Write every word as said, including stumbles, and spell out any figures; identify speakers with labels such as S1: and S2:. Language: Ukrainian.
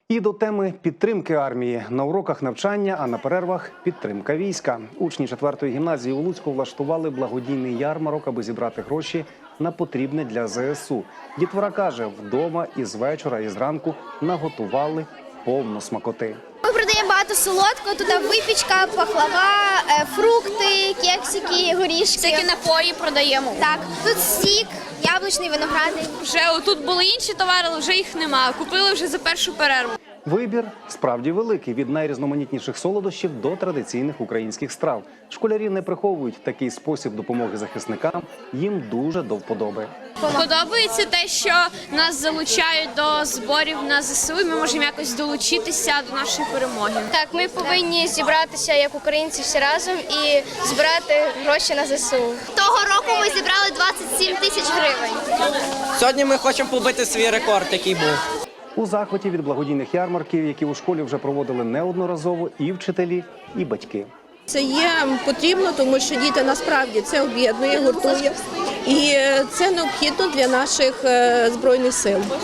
S1: І до теми підтримки армії. На уроках навчання, а на перервах – підтримка війська. Учні четвертої гімназії у Луцьку влаштували благодійний ярмарок, аби зібрати гроші на потрібне для зе ес у. Дітвора каже, вдома і з вечора, і зранку наготували повно смакоти.
S2: Ми продаємо багато солодкого, тут випічка, пахлава, фрукти, кексики, горішки.
S3: Всякі напої продаємо.
S2: Так, тут сік, яблучний, виноградний.
S3: Вже тут були інші товари, але вже їх нема. Купили вже за першу перерву.
S1: Вибір справді великий – від найрізноманітніших солодощів до традиційних українських страв. Школярі не приховують такий спосіб допомоги захисникам, їм дуже до вподоби.
S3: Подобається те, що нас залучають до зборів на зе ес у, і ми можемо якось долучитися до нашої перемоги.
S2: Так, ми повинні зібратися як українці всі разом і збирати гроші на зе ес у. Того року ми зібрали двадцять сім тисяч гривень.
S4: Сьогодні ми хочемо побити свій рекорд, який був.
S1: У захваті від благодійних ярмарків, які у школі вже проводили неодноразово, і вчителі, і батьки.
S5: Це є потрібно, тому що діти насправді це об'єднує, гуртує. І це необхідно для наших Збройних сил.